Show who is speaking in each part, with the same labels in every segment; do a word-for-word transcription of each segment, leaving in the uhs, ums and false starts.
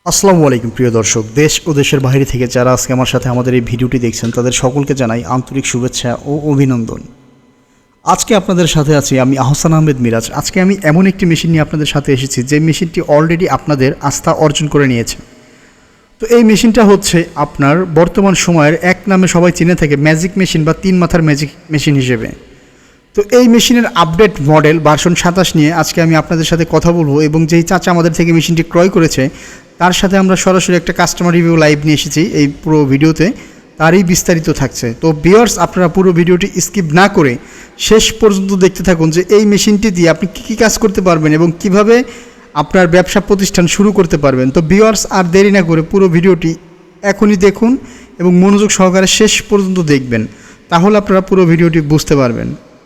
Speaker 1: আসসালামু আলাইকুম প্রিয় দর্শক, দেশ ও দেশের বাইরে থেকে যারা আজকে আমার সাথে আমাদের এই ভিডিওটি দেখছেন তাদের সকলকে জানাই আন্তরিক শুভেচ্ছা ও অভিনন্দন। আজকে আপনাদের সাথে আছি আমি আহসান আহমেদ মিরাজ। আজকে আমি এমন একটি মেশিন নিয়ে আপনাদের সাথে এসেছি যে মেশিনটি অলরেডি আপনাদের আস্থা অর্জন করে নিয়েছে। তো এই মেশিনটা হচ্ছে আপনার বর্তমান সময়ের এক নামে সবাই চিনে থাকে ম্যাজিক মেশিন বা তিন মাথার ম্যাজিক মেশিন হিসেবে। তো এই মেশিনের আপডেট মডেল ভার্সন সাতাশ নিয়ে আজকে আমি আপনাদের সাথে কথা বলবো এবং যেই চাচা আমাদের থেকে মেশিনটি ক্রয় করেছে তার সাথে আমরা সরাসরি একটা কাস্টমার রিভিউ লাইভ নিয়ে এসেছি এই পুরো ভিডিওতে, তারই বিস্তারিত থাকছে। তো ভিউয়ার্স, আপনারা পুরো ভিডিওটি স্কিপ না করে শেষ পর্যন্ত দেখতে থাকুন যে এই মেশিনটি দিয়ে আপনি কী কী কাজ করতে পারবেন এবং কিভাবে আপনার ব্যবসা প্রতিষ্ঠান শুরু করতে পারবেন। তো ভিউয়ার্স, আর দেরি না করে পুরো ভিডিওটি এখনই দেখুন এবং মনোযোগ সহকারে শেষ পর্যন্ত দেখবেন, তাহলে আপনারা পুরো ভিডিওটি বুঝতে পারবেন।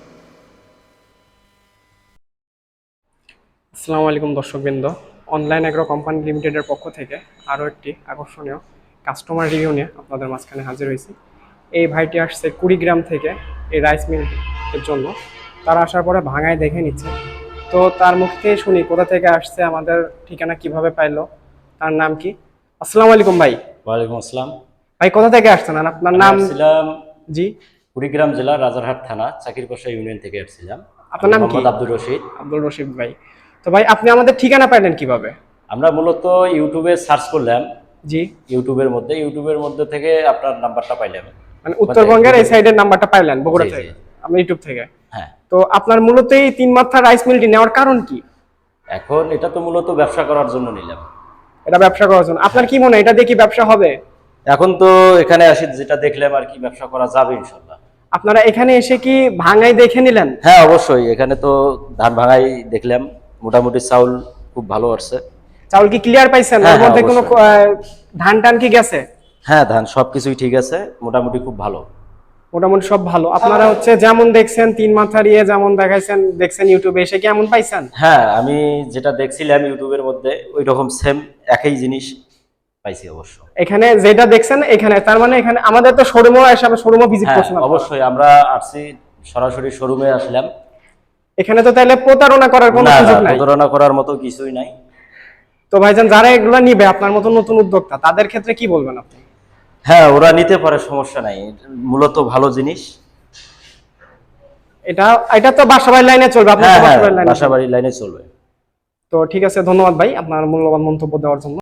Speaker 2: আসসালামু আলাইকুম দর্শকবৃন্দ, অনলাইন এগ্রো কোম্পানি লিমিটেডের পক্ষ থেকে আরও একটি আকর্ষণীয় কাস্টমার রিভিউ নিয়ে আপনাদের মাঝখানে হাজির হয়েছি। এই ভাইটি আসছে কুড়িগ্রাম থেকে এই রাইস মিলের জন্য। তারা আসার পরে ভাঙায় দেখে নিচ্ছে। তো তার মুখ থেকে শুনি কোথা থেকে আসছে, আমাদের ঠিকানা কিভাবে পাইলো, তার নাম কি। আসসালামু আলাইকুম ভাই।
Speaker 3: ওয়ালাইকুম আসসালাম।
Speaker 2: ভাই কোথা থেকে আসছেন আর আপনার নাম?
Speaker 3: আসছিলাম
Speaker 2: জি,
Speaker 3: কুড়িগ্রাম জেলা রাজারহাট থানা চাকিরকোষা ইউনিয়ন থেকে আসছিলাম।
Speaker 2: আপনার নাম কি?
Speaker 3: মোহাম্মদ আব্দুর রশিদ।
Speaker 2: আব্দুল রশিদ ভাই। তো ভাই আপনি আমাদের ঠিকানা পাইলেন কিভাবে?
Speaker 3: আমরা মূলত ইউটিউবে সার্চ করলাম।
Speaker 2: জি,
Speaker 3: ইউটিউবের মধ্যে ইউটিউবের মধ্যে থেকে আপনার নাম্বারটা পাইলাম।
Speaker 2: মানে উত্তরবঙ্গের এই সাইডের নাম্বারটা পাইলেন বগুড়া
Speaker 3: জি, জি।
Speaker 2: থেকে, আপনি ইউটিউব থেকে।
Speaker 3: হ্যাঁ,
Speaker 2: তো আপনার মূলত এই তিন মাত্রা রাইস মিলটি নেওয়ার কারণ কি?
Speaker 3: এখন এটা তো মূলত ব্যবসা করার জন্য নিলাম।
Speaker 2: এটা ব্যবসা করার জন্য। আপনার কি মনে হয় এটা দিয়ে কি ব্যবসা হবে?
Speaker 3: এখন তো এখানে আসি যেটা দেখলাম আর কি, ব্যবসা করা যাবে ইনশাল্লাহ।
Speaker 2: আপনারা এখানে এসে কি ভাঙাই দেখে নিলেন?
Speaker 3: হ্যাঁ অবশ্যই, এখানে তো ধান ভাঙাই দেখলাম, মোটামুটি চাউল খুব ভালো আসছে।
Speaker 2: চাউল কি ক্লিয়ার পাইছেন?
Speaker 3: হ্যাঁ,
Speaker 2: ওর মধ্যে
Speaker 3: হ্যাঁ,
Speaker 2: কোনো
Speaker 3: অবশ্যই।
Speaker 2: আহ, ধান টান কি গেছে?
Speaker 3: হ্যাঁ, ধান সবকিছুই ঠিক আছে, মোটামুটি খুব ভালো।
Speaker 2: মোটামুটি সব ভালো। আপনারা হচ্ছে যেমন দেখছেন তিন মাথার ইয়ে যেমন দেখাইছেন দেখছেন ইউটিউবে, এসে কি এমন পাইছেন?
Speaker 3: হ্যাঁ, আমি যেটা দেখছিলাম ইউটিউবের মধ্যে ওই রকম সেম একই জিনিস পাইছি অবশ্য।
Speaker 2: এখানে যেটা দেখছেন এখানে, তার মানে এখানে আমাদের তো শোরুমও এসে শোরুমও ভিজিট
Speaker 3: হ্যাঁ
Speaker 2: করছেন আপনারা।
Speaker 3: অবশ্যই, আমরা আসছি সরাসরি শোরুমে আসলাম।
Speaker 2: এখানে তো তাহলে প্রতারণা করার কোনো
Speaker 3: না না,
Speaker 2: সুযোগ নাই।
Speaker 3: প্রতারণা করার মতো কিছুই নাই।
Speaker 2: তো ভাইজান, যারা এগুলো নিবে আপনার মতো নতুন উদ্যোক্তা, তাদের ক্ষেত্রে কি বলবেন আপনি?
Speaker 3: হ্যাঁ, ওরা নিতে পারে, সমস্যা নাই, মূলত ভালো জিনিস।
Speaker 2: এটা এটা তো বাসাবাড়ির লাইনে চলবে, আপনার
Speaker 3: হ্যাঁ
Speaker 2: তো
Speaker 3: হ্যাঁ,
Speaker 2: বাসাবাড়ির লাইনে চলবে।
Speaker 3: বাসাবাড়ির লাইনে চলবে।
Speaker 2: তো ঠিক আছে, ধন্যবাদ ভাই আপনার মূল্যবান মন্তব্য দেওয়ার জন্য।